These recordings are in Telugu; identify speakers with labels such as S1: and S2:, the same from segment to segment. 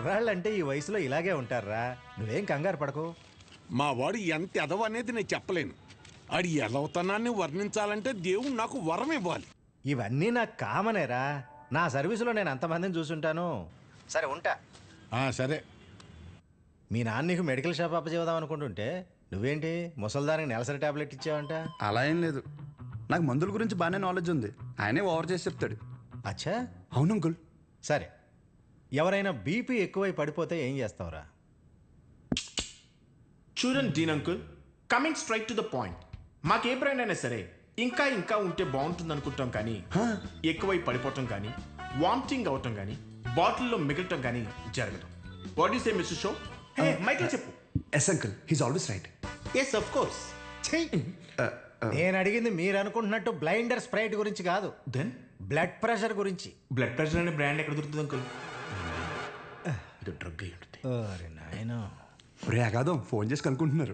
S1: కుర్రాళ్ళంటే ఈ వయసులో ఇలాగే ఉంటారా, నువ్వేం కంగారు పడకు.
S2: మా వాడు ఎంత ఎదవ అనేది నేను చెప్పలేను. ఆడి ఎదవతనాన్ని వర్ణించాలంటే దేవుడు నాకు వరం ఇవ్వాలి.
S1: ఇవన్నీ నాకు కామనేరా, నా సర్వీసులో నేను అంతమందిని చూసుంటాను. సరే ఉంటా.
S2: సరే.
S1: మీ నాన్న నీకు మెడికల్ షాప్ అప్పచేద్దాం అనుకుంటుంటే నువ్వేంటి ముసల్దానికి నెలసరి టాబ్లెట్ ఇచ్చావంట?
S3: అలా ఏం లేదు, నాకు మందుల గురించి బాగానే నాలెడ్జ్ ఉంది. ఆయనే ఓవర్ చేసి చెప్తాడు.
S1: అచ్చా,
S3: అవును అంకుల్.
S1: సరే, ఎవరైనా బీపీ ఎక్కువై పడిపోతే ఏం చేస్తావురా?
S4: చూడండి dean uncle, coming straight to the point. మాకే బ్రాండ్ అయినా సరే ఇంకా ఇంకా ఉంటే బాగుంటుంది అనుకుంటాం, కానీ ఎక్కువై పడిపోవటం కానీ వామిటింగ్ అవటం కానీ బాటిల్లో మిగలటం కానీ జరగదు. వాట్ యు సే మిస్టర్ షో? మైక్లో చెప్పు.
S3: Yes uncle, he's always right.
S4: Yes of course.
S1: నేను అడిగింది మీరు అనుకుంటున్నట్టు బ్లైండర్ స్ప్రైట్ గురించి కాదు,
S4: దెన్
S1: బ్లడ్ ప్రెషర్ గురించి.
S4: బ్లడ్ ప్రెషర్ అనే బ్రాండ్ ఎక్కడ దొరుకుతుంది అంకుల్? ఇది డ్రగ్ అయి ఉంటుంది.
S1: అరే నాయనా,
S3: రే అగాదం ఫోన్ చేసి కనుక్కుంటున్నారు.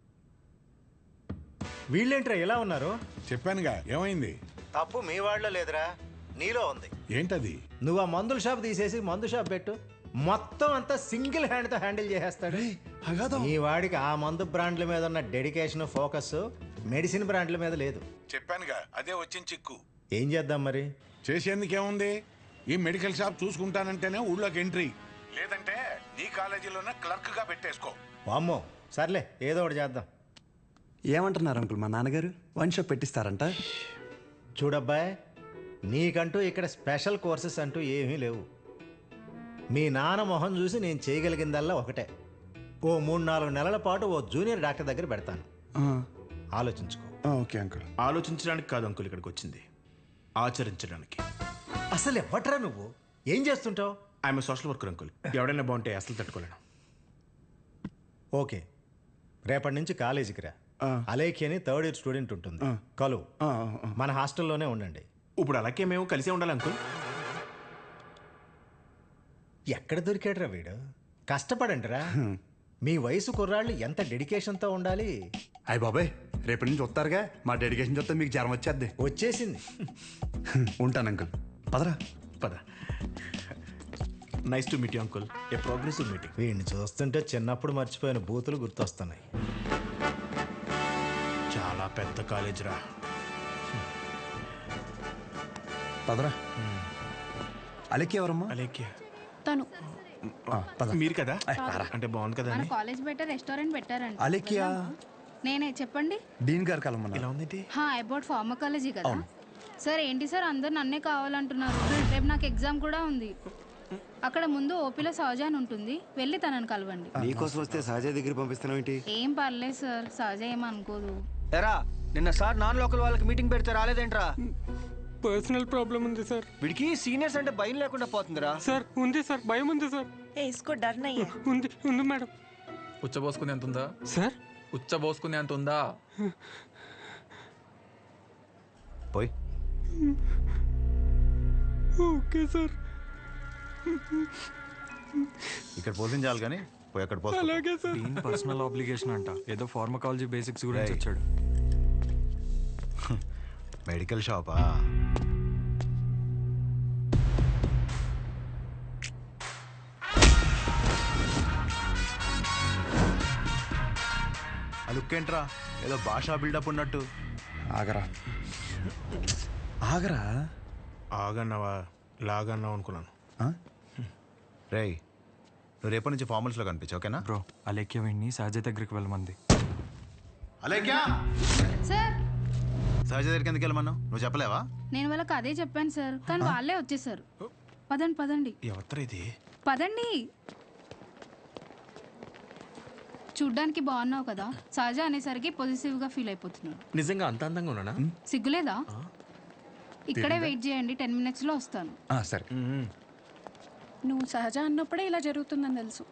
S1: వీళ్ళేంట్రా ఎలా ఉన్నారు?
S2: చెప్పానుగా, ఏమైంది?
S1: తప్పు మీ వాళ్ళలో లేదురా, నీలో ఉంది.
S2: ఏంటది?
S1: నువ్వు ఆ మందుల షాప్ తీసేసి మందు షాప్ పెట్టు, మొత్తం అంతా సింగిల్ హ్యాండ్తో హ్యాండిల్ చేసేస్తాడు. ఈ వాడికి ఆ మందు బ్రాండ్ల మీద ఉన్న డెడికేషన్, ఫోకస్ మెడిసిన్ బ్రాండ్ల మీద లేదు.
S2: చెప్పానుగా, అదే వచ్చిన చిక్కు.
S1: ఏం చేద్దాం మరి?
S2: చేసేందుకేముంది, ఈ మెడికల్ షాప్ చూసుకుంటానంటేనే ఊళ్ళోకి ఎంట్రీ, లేదంటే నీ కాలేజీలోనే క్లర్క్ గా పెట్టేసుకో.
S1: వామ్మో, సర్లే ఏదో ఒకటి చేద్దాం.
S3: ఏమంటున్నారు అంకుల్, మా నాన్నగారు వన్ షాప్ పెట్టిస్తారంట?
S1: చూడబ్బాయ్, నీకంటూ ఇక్కడ స్పెషల్ కోర్సెస్ అంటూ ఏమీ లేవు. మీ నాన్న మొహం చూసి నేను చేయగలిగిందల్లా ఒకటే, ఓ 3-4 నెలల పాటు ఓ జూనియర్ డాక్టర్ దగ్గర పెడతాను. ఆలోచించుకో.
S3: Okay uncle.
S4: ఆలోచించడానికి కాదు అంకుల్ ఇక్కడికి వచ్చింది, ఆచరించడానికి.
S1: అసలు ఎవట్రా నువ్వు, ఏం చేస్తుంటావు?
S4: I'm social worker uncle. ఎవడైనా బాగుంటే అసలు తట్టుకోలేను.
S1: ఓకే, రేపటి నుంచి కాలేజీకి రా. అలేఖి అని 3rd ఇయర్ స్టూడెంట్ ఉంటుంది, కలువు. మన హాస్టల్లోనే ఉండండి.
S4: ఇప్పుడు అలాగే మేము కలిసే ఉండాలి అంకుల్.
S1: ఎక్కడ దొరికాడురా వీడు? కష్టపడండిరా. మీ వయసు కుర్రాళ్ళు ఎంత డెడికేషన్తో ఉండాలి.
S3: అయ్య బాబాయ్, రేపటి నుంచి వస్తారుగా, మా డెడికేషన్ చూస్తే మీకు జ్వరం వచ్చేద్ది.
S1: వచ్చేసింది.
S3: ఉంటాను అంకుల్, పదరా.
S4: పద. Nice to meet you uncle, a progressive meeting.
S1: వీడిని చూస్తుంటే చిన్నప్పుడు మర్చిపోయిన బూతులు గుర్తొస్తున్నాయి.
S4: చాలా పెద్ద కాలేజ్ రా.
S3: పదరా. అలెక్కి ఎవరమ్మా?
S4: అలేఖ్య
S5: తను
S4: మీరు కదా? అంటే బాగుంది కదా.
S5: మన కాలేజ్ బయట రెస్టారెంట్ పెట్టారంట.
S3: అలెక్కియా?
S5: నేనే, చెప్పండి.
S3: డీన్ గారు కలమన్నా.
S4: ఎలా ఉంది?
S5: అబౌట్ ఫార్మకాలజీ కదా సార్. ఏంటి సార్ అందరు నన్నే కావాలంటున్నారు? రేపు నాకు ఎగ్జామ్ కూడా ఉంది. అక్కడ ముందు ఓపీలో సహజ అని ఉంటుంది, వెళ్ళి తనని కలవండి.
S6: నీకోసం వస్తే సహజ దగ్గర పంపిస్తున్నావు ఏంటి?
S5: ఏం పర్లేదు సార్, సహజ ఏమనుకోదు.
S6: ఎరా, నిన్న సార్ నాన్ లోకల్ వాళ్ళకి మీటింగ్ పెడితే రాలేదేంట్రా?
S7: పర్సనల్ ప్రాబ్లం ఉంది సార్.
S6: వీడికి సీనియర్స్ అంటే భయం లేకుండా పోతుందిరా.
S7: సార్ ఉంది సార్, భయం ఉంది సార్.
S8: इसको डर नहीं है.
S7: ఉంది మేడం.
S9: ఉచ్చబోసుకునే అంత ఉందా
S7: సార్?
S9: ఉచ్చబోసుకునే అంత ఉందా?
S6: పోయి.
S7: Okay sir.
S6: ఇక్కడ పోషించాలి కానీ పోయి అక్కడ పోస్తా.
S7: అలాగే సార్.
S10: డీన్ పర్సనల్ ఆబ్లిగేషన్ అంట, ఏదో ఫార్మకాలజీ బేసిక్స్ గురించి వచ్చాడు.
S6: మెడికల్ షాపా? లుక్కేంట్రా, ఏదో భాషా బిల్డప్ ఉన్నట్టు.
S3: ఆగరా ఆగరా.
S4: ఆగన్నావా లాగన్నావు అనుకున్నాను.
S6: రేయ్, నువ్వు రేపటి నుంచి ఫార్మల్స్లో కనిపించు, ఓకేనా?
S10: బ్రో, అలేఖ్య వీడిని సహజ దగ్గరికి వెళ్ళమంది.
S6: అలేఖ్య
S5: సార్,
S6: సహజ దగ్గరికి ఎందుకు వెళ్ళమన్నావు? నువ్వు చెప్పలేవా?
S5: నేను వాళ్ళకి అదే చెప్పాను సార్, కానీ వాళ్ళే వచ్చేసారు. పదండి పదండి.
S4: ఎవరు ఇది?
S5: పదండి. చూడ్డానికి బాగున్నావు కదా, సహజ అనేసరికి పొజిటివ్ గా ఫీల్ అయిపోతున్నాడు.
S4: నిజంగా అంత అందంగా ఉన్నానా?
S5: సిగ్గులేదా? ఇక్కడే వెయిట్ చేయండి, 10 minutes లో వస్తాను.
S3: సరే.
S8: నువ్వు సహజ అన్నప్పుడే ఇలా జరుగుతుందని తెలుసు.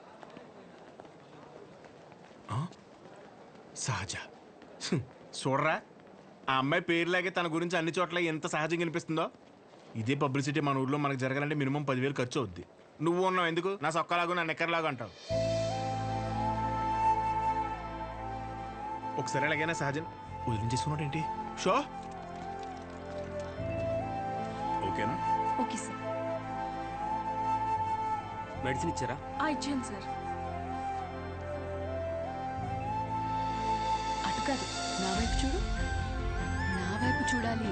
S4: సహజ చూడరా, ఆ అమ్మాయి పేరులాగే తన గురించి అన్ని చోట్ల ఎంత సహజంగా అనిపిస్తుందో. ఇదే పబ్లిసిటీ మన ఊర్లో మనకు జరగాలంటే మినిమం 10,000 ఖర్చు అవుద్ది. నువ్వు ఉన్నావు ఎందుకు? నా సొక్కలాగా నా నెక్కర్లాగా అంటావు. ఒకసారి ఎలాగైనా సహజన్ వదిలించేసుకున్నాడు ఏంటి? షో ఓకేనా?
S5: Okay sir.
S10: మెడిసిన్ ఇచ్చారా?
S8: ఇచ్చాను సార్. అటు కాదు, నా వైపు చూడు. నా వైపు చూడాలి.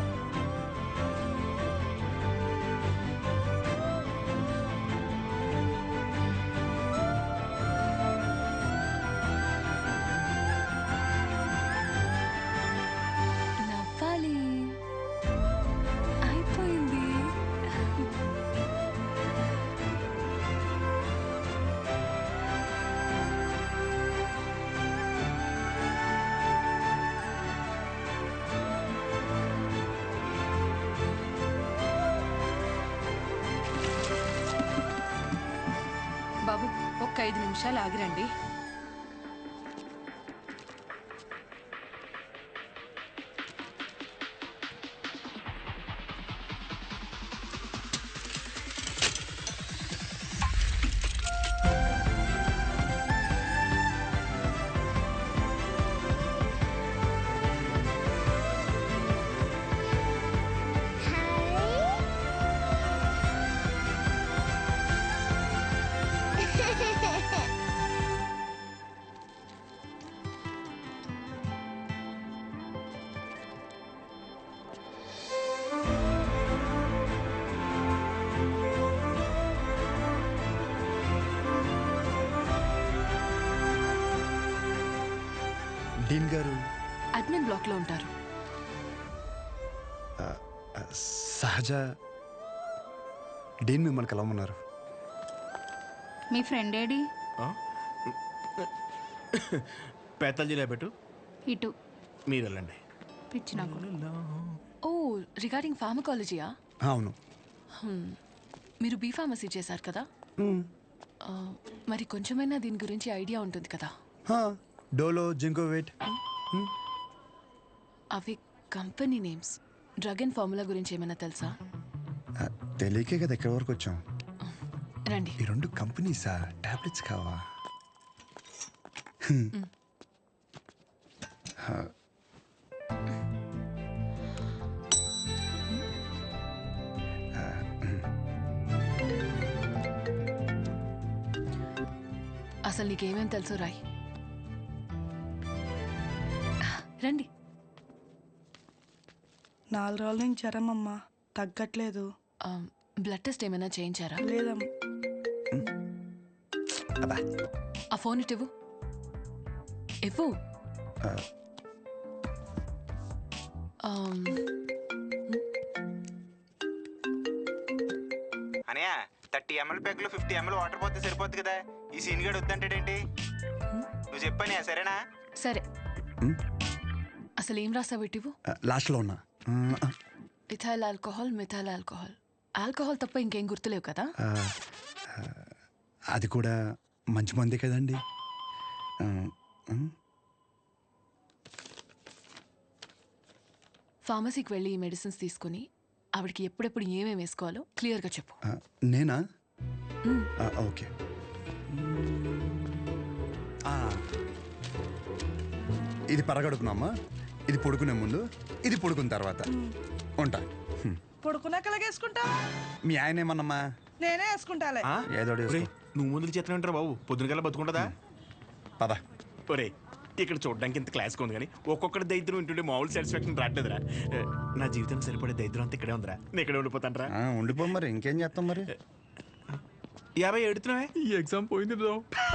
S8: నవ్వాలి. అయిపోయింది. బాబు, ఒక్క 5 నిమిషాలు ఆగిరండి.
S3: డీన్ గారు
S8: అడ్మిన్ బ్లాక్ లో ఉంటారు.
S3: సహజ డీన్ మిమ్మల్ని కలవమన్నారు.
S5: మీ ఫ్రెండ్ ఏడి?
S4: పేతాల్జీలో పెట్టు,
S5: ఇటు
S4: మీరు వెళ్ళండి.
S5: పిచ్చి నాకు.
S8: ఓ, రిగార్డింగ్ ఫార్మకాలజీయా?
S3: అవును.
S8: మీరు బీ ఫార్మసీ చేశారు కదా, మరి కొంచెమైనా దీని గురించి ఐడియా ఉంటుంది కదా.
S3: Dolo, Zincovit.
S8: అవి company names. Drug and formula గురించి ఏమైనా తెలుసా?
S3: తెలియకే కదా ఎక్కడి వరకు వచ్చాం.
S8: రండి.
S3: ఈ 2 కంపెనీసా? టాబ్లెట్స్ కావా?
S8: అసలు నీకేమేం తెలుసు రాయ్. రండి.
S11: 4 రోజుల నుంచి జ్వరం అమ్మా, తగ్గట్లేదు.
S8: బ్లడ్ టెస్ట్ ఏమైనా చేయించారా?
S11: లేదమ్మా.
S8: ఆ ఫోన్ ఇటు ఇవ్వు. ఇవ్వు.
S6: అనయా 30 ml ప్యాక్లో 50 ml వాటర్ పోతే సరిపోద్ది కదా. ఈ సీన్ గడు వద్దంటాడేంటి? నువ్వు చెప్పానే, సరేనా?
S8: సరే. అసలు ఏం రాసావు? ఇటు
S3: లాస్ట్లో ఉన్నా.
S8: Ethyl alcohol, methyl alcohol. Alcohol తప్ప ఇంకేం గుర్తులేవు కదా?
S3: అది కూడా మంచి మందే కదండి.
S8: ఫార్మసీకి వెళ్ళి ఈ మెడిసిన్స్ తీసుకుని ఆవిడకి ఎప్పుడెప్పుడు ఏమేమి వేసుకోవాలో క్లియర్గా చెప్పు.
S3: నేనా? ఓకే. ఇది పరగడుపునమ్మా, ఇది పడుకునే ముందు, ఇది పడుకున్న తర్వాత. ఉంటా.
S11: పడుకున్నాక వేసుకుంటా.
S3: మీ ఆయన ఏమన్నమ్మా?
S11: నేనే వేసుకుంటాలే.
S3: ఏదో
S4: నువ్వు ముందుకు చేతనే ఉంటారా బాబు? పొద్దునకల్లా బతుకుంటుందా?
S3: పద.
S4: ఒరే, ఇక్కడ చూడడానికి ఇంత క్లాస్గా ఉంది కానీ ఒక్కొక్కటి దరిద్రం వింటుంటే మామూలు సాటిస్ఫాక్షన్ రావట్లేదురా. నా జీవితం సరిపడే దరిద్రం అంతా ఇక్కడే ఉందిరా. నేను ఇక్కడే ఉండిపోతానరా.
S3: ఉండిపో మరి, ఇంకేం చేస్తాం మరి.
S4: 50 ఎడుతున్నావే?
S9: ఈ ఎగ్జామ్ పోయింది బ్రో.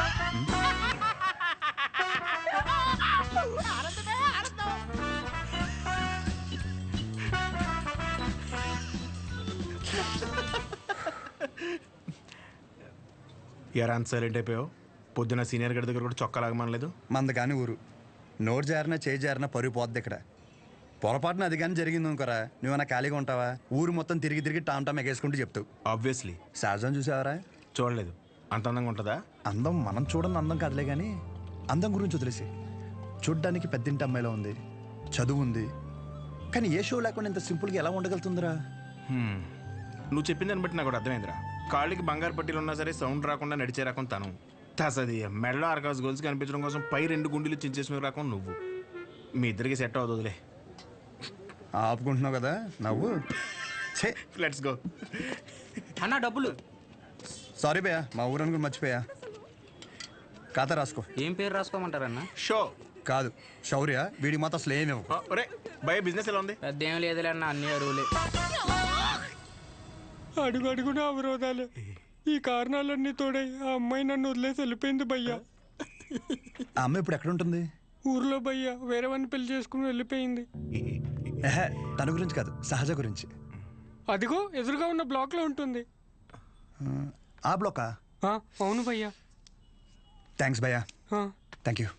S4: ఎరా అంత సైలెంట్ అయిపోయావు? పొద్దున సీనియర్ గడి దగ్గర కూడా చొక్కా లాగమనలేదు.
S3: మంద కానీ ఊరు నోరు జారినా చేయి జారినా పరుగు పోద్ది ఇక్కడ. పొరపాటున అది కానీ జరిగింది అనుకోరా, నువ్వన్నా ఖాళీగా ఉంటావా? ఊరు మొత్తం తిరిగి తిరిగి టామ్ ఎగేసుకుంటూ చెప్తావు.
S4: ఆబ్వియస్లీ.
S3: సహజం చూసావరా?
S4: చూడలేదు. అంత అందంగా ఉంటుందా?
S3: అందం మనం చూడని అందం కాదులే కానీ, అందం గురించి వదిలేసి. చూడ్డానికి పెద్దింటి అమ్మాయిలో ఉంది, చదువు ఉంది, కానీ ఏ షో లేకుండా ఇంత సింపుల్గా ఎలా ఉండగలుగుతుందిరా?
S4: నువ్వు చెప్పిన దాన్ని బట్టి నాకు కూడా అర్థమైందిరా. కాళ్ళకి బంగారు పట్టీలు ఉన్నా సరే సౌండ్ రాకుండా నడిచే రకం తను. తసది మెడలో ఆర్కాస్ గోల్స్ కనిపించడం కోసం పై 2 గుండెలు చించేసిన రకం నువ్వు. మీ ఇద్దరికి సెట్ అవుతుందిలే.
S3: ఆపుకుంటున్నావు కదా నవ్వు.
S4: Let's go.
S10: అన్న డబ్బులు.
S3: సారీ భయ్యా, మా ఊరని కూడా మర్చిపోయా. ఖాతా రాసుకో.
S12: ఏం పేరు రాసుకోమంటారన్న?
S4: షో
S3: కాదు శౌర్య, వీడికి మాత్రం అసలు ఏమేవు.
S4: ఒరే భయ బిజినెస్ ఎలా ఉంది?
S12: పెద్ద ఏం లేదులే అన్న, అన్ని అరువులే.
S7: అడుగు అడుగున అవరోధాలే. ఈ కారణాలన్నీ తోడై ఆ అమ్మాయి నన్ను వదిలేసి వెళ్ళిపోయింది భయ్యా.
S3: ఆ అమ్మాయి ఇప్పుడు ఎక్కడ ఉంటుంది?
S7: ఊర్లో భయ్యా వేరే వాడిని పెళ్లి చేసుకుని వెళ్ళిపోయింది.
S3: తన గురించి కాదు, సహజ గురించి.
S7: అదిగో ఎదురుగా ఉన్న బ్లాక్ లో ఉంటుంది.
S3: ఆ బ్లాకా?
S7: అవును భయ్యా.
S3: థ్యాంక్స్ భయ్యా. Thank you.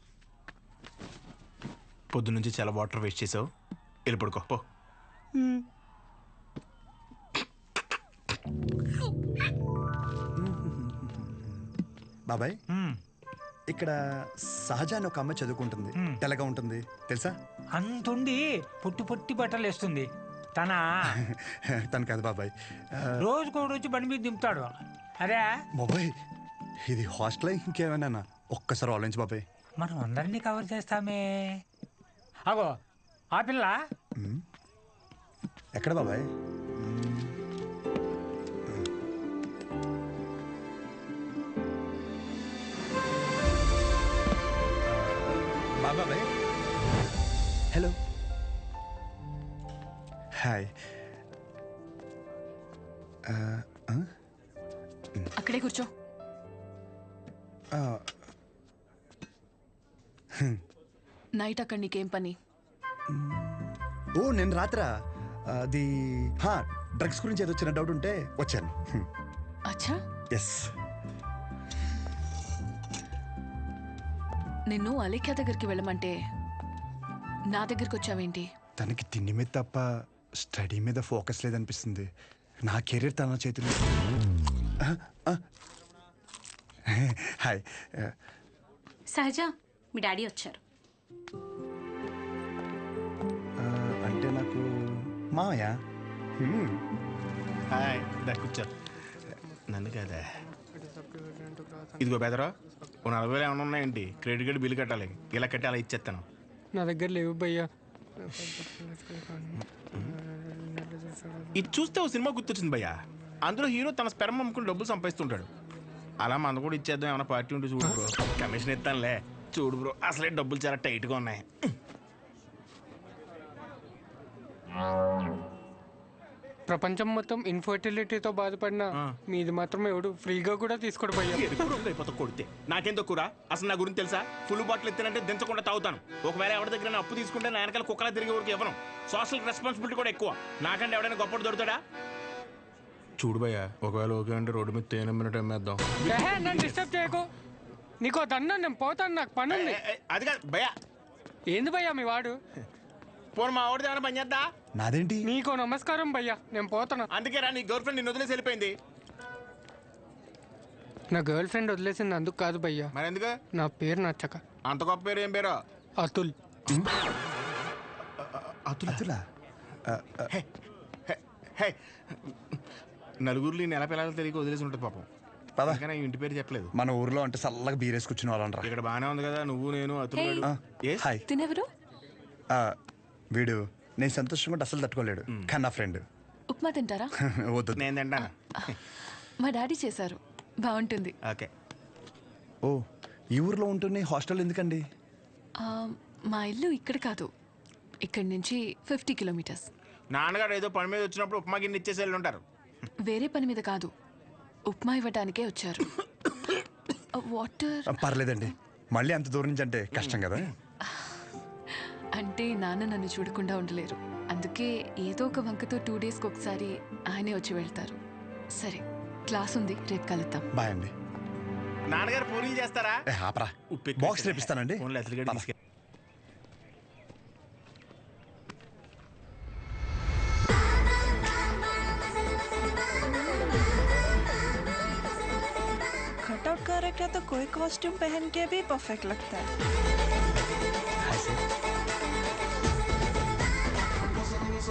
S4: పొద్దు నుంచి చాలా వాటర్ వేస్ట్ చేసావు, వెళ్ళి పడుకో పో.
S3: బాబాయ్, ఇక్కడ సహజ అని ఒక అమ్మాయి చదువుకుంటుంది. తెల్లగా ఉంటుంది తెలుసా?
S13: అంతుండి పొట్టి పొట్టి బట్టలు వేస్తుంది.
S3: తను కాదు బాబాయ్,
S13: రోజుకో రోజు బండి మీద దింపుతాడు. అరే
S3: బాబాయ్, ఇది హాస్టల్ ఇంకేమైనా? ఒక్కసారి ఆలోచించు బాబాయ్.
S13: మనం అందరినీ కవర్ చేస్తామే. అగో ఆ పిల్ల
S3: ఎక్కడ బాబాయ్? బాబాయ్ హలో. హాయ్.
S8: అక్కడే కూర్చో. నైట్ అక్కడ నీకేం పని?
S3: ఓ నేను రాత్రా అది డ్రగ్స్ గురించి ఏదో చిన్న డౌట్ ఉంటే వచ్చాను.
S8: అచ్చా.
S3: ఎస్.
S8: నిన్ను అలేఖ్య దగ్గరికి వెళ్ళమంటే నా దగ్గరికి వచ్చావేంటి?
S3: తనకి తిండి మీద తప్ప స్టడీ మీద ఫోకస్ లేదనిపిస్తుంది. నా కెరీర్ తన చేతిలో. హాయ్.
S14: సహజ, మీ డాడీ వచ్చారు.
S3: అంటే నాకు మామయ్య.
S4: హాయ్, దా కూర్చో. నన్ను కదా. ఇదిగో బెదరా, ఓ 40,000 ఏమైనా ఉన్నాయండి? క్రెడిట్ కార్డు బిల్లు కట్టాలి. ఇలా కట్టి అలా ఇచ్చేస్తాను.
S7: నా దగ్గర లేవు భయ్యా.
S4: ఇది చూస్తే ఓ సినిమా గుర్తొచ్చింది భయ్యా. అందులో హీరో తన స్పెర్మ్ అమ్ముకుని డబ్బులు సంపాదిస్తుంటాడు. అలా మన కూడా ఇచ్చేద్దాం, ఏమైనా పార్టీ ఉంటే చూడు బ్రో. కమిషన్ ఇస్తానులే. చూడు బ్రో, అసలే డబ్బులు చాలా టైట్గా ఉన్నాయి.
S7: ప్రపంచం మొత్తం ఇన్ఫర్టిలిటీతో బాధపడిన మీది మాత్రం ఎవడు ఫ్రీగా కూడా తీసుకోడు భయ్యా.
S4: అయిపోతా కొడితే నాకేం తక్కువ? అసలు నా గురించి తెలుసా? ఫుల్ బాటిల్ ఎత్తానంటే దించకుండా తాగుతాను. ఒకవేళ ఎవరి దగ్గర అప్పు తీసుకుంటే నా వెనకాల కుక్కలా తిరిగే వరకు ఇవ్వను. సోషల్ రెస్పాన్సిబిలిటీ కూడా ఎక్కువ. నాకంటే ఎవడైనా గొప్ప దొరుకుతాడా? చూడు భయ్యా, ఒకవేళ ఓకే అంటే రోడ్డు మీద తేనె మినిట్ అమ్మేద్దాం.
S7: నన్ను డిస్టర్బ్ చేయకు. నీకో దన్నా, నేను పోతాను, నాకు పని ఉంది.
S4: అది కాదు భయ్యా.
S7: ఏంది భయ్యా మీ వాడు?
S4: పోను మా వాడిది ఏమైనా పని చేద్దా?
S3: నాదేంటి?
S7: నీకో నమస్కారం భయ్యా, నేను పోతాను.
S4: అందుకే రా, నీ గర్ల్ ఫ్రెండ్ నిన్ను వదిలేసి వెళ్ళిపోయింది.
S7: నా గర్ల్ ఫ్రెండ్ వదిలేసింది అందుకు కాదు భయ్యా.
S4: మరి ఎందుకు?
S7: నా పేరు నచ్చక.
S4: అంత గొప్ప పేరు ఏం పేరు?
S7: అతుల్.
S3: అతులా?
S4: నలుగురిలో నెల పిల్లలు తెలియక వదిలేసి ఉంటుంది పాపం. కానీ ఇంటి పేరు చెప్పలేదు.
S3: మన ఊర్లో అంటే చల్లగా బీరేసి కూర్చుని వాళ్ళంటారా.
S4: ఇక్కడ బాగానే ఉంది కదా, నువ్వు నేను అతుల్.
S3: హాయ్.
S8: తినెవరు?
S3: వీడు నేను సంతోషంగా ఉంటే అసలు తట్టుకోలేడు, కానీ నా ఫ్రెండ్.
S8: ఉప్మా తింటారా?
S3: వద్దు,
S4: నేను తింటాను.
S8: మా డాడీ చేశారు, బాగుంటుంది.
S4: ఓకే.
S3: ఓ, ఈ ఊర్లో ఉంటున్న హాస్టల్ ఎందుకండి?
S8: మా ఇల్లు ఇక్కడ కాదు, ఇక్కడి నుంచి 50 కిలోమీటర్స్.
S4: నాన్నగారు ఏదో పని మీద వచ్చినప్పుడు ఉప్మా గిన్నె ఇచ్చేసి వెళ్ళి ఉంటారు.
S8: వేరే పని మీద కాదు, ఉప్మా ఇవ్వడానికే వచ్చారు. వాటర్
S3: పర్లేదండి, మళ్ళీ అంత దూరం నుంచి అంటే కష్టం కదా.
S8: అంటే నాన్న నన్ను చూడకుండా ఉండలేరు, అందుకే ఏదో ఒక వంకతో 2 డేస్కి ఒకసారి ఆయనే వచ్చి వెళ్తారు. సరే, క్లాస్ ఉంది, రేపు కలుద్దాం.
S3: బాయ్ అండి.
S4: నాన్నగారు పూరీలు చేస్తారా?
S3: ఆపరా, బాక్స్ రేపిస్తానండి.
S11: कटआउट कैरेक्टर तो कोई कॉस्ट्यूम पहन के भी परफेक्ट लगता है.
S3: Hi sir.